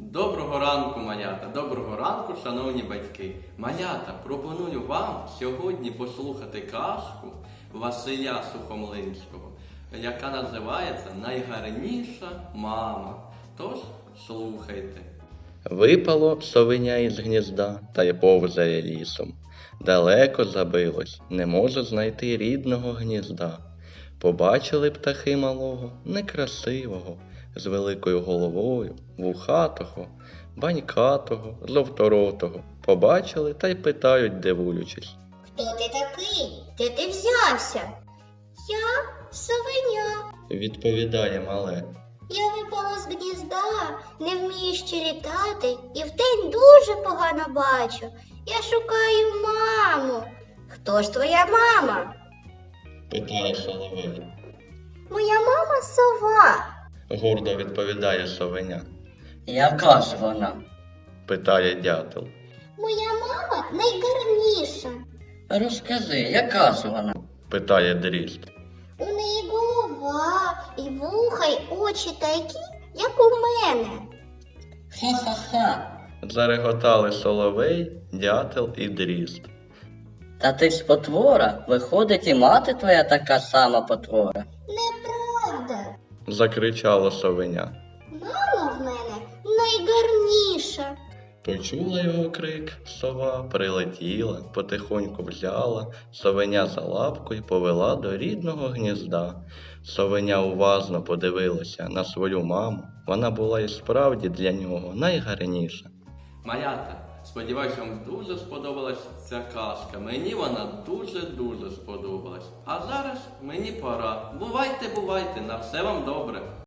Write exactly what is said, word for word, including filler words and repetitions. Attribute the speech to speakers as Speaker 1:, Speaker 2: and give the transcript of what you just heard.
Speaker 1: Доброго ранку, малята! Доброго ранку, шановні батьки! Малята, пропоную вам сьогодні послухати казку Василя Сухомлинського, яка називається «Найгарніша мама». Тож, слухайте.
Speaker 2: Випало совеня із гнізда та й повзає лісом. Далеко забилось, не може знайти рідного гнізда. Побачили птахи малого, некрасивого, з великою головою, вухатого, банькатого, жовторотого. Побачили та й питають, дивуючись.
Speaker 3: Хто ти такий? Де ти взявся? Я совеня.
Speaker 2: Відповідає мале.
Speaker 3: Я випала з гнізда, не вмію ще літати і вдень дуже погано бачу. Я шукаю маму. Хто ж твоя мама?
Speaker 2: Питає соловей.
Speaker 3: Моя мама сова.
Speaker 2: Гордо відповідає совеня.
Speaker 4: Яка ж вона?
Speaker 2: Питає дятел.
Speaker 3: Моя мама найгарніша.
Speaker 4: Розкажи, яка ж вона?
Speaker 2: Питає дрізд.
Speaker 3: У неї голова, і вуха, й очі такі, як у мене.
Speaker 4: Ха-ха-ха.
Speaker 2: Зареготали соловей, дятел і дрізд.
Speaker 4: Та ти ж потвора, виходить і мати твоя така сама потвора.
Speaker 3: Неправда.
Speaker 2: Закричало совеня.
Speaker 3: Мама в мене найгарніша.
Speaker 2: Почула його крик, сова прилетіла, потихоньку взяла совеня за лапку й повела до рідного гнізда. Совеня уважно подивилася на свою маму. Вона була і справді для нього найгарніша.
Speaker 1: Малята, сподіваюся, вам дуже сподобалась ця казка. Мені вона дуже-дуже сподобалась. А зараз мені пора. Бувайте, бувайте, на все вам добре.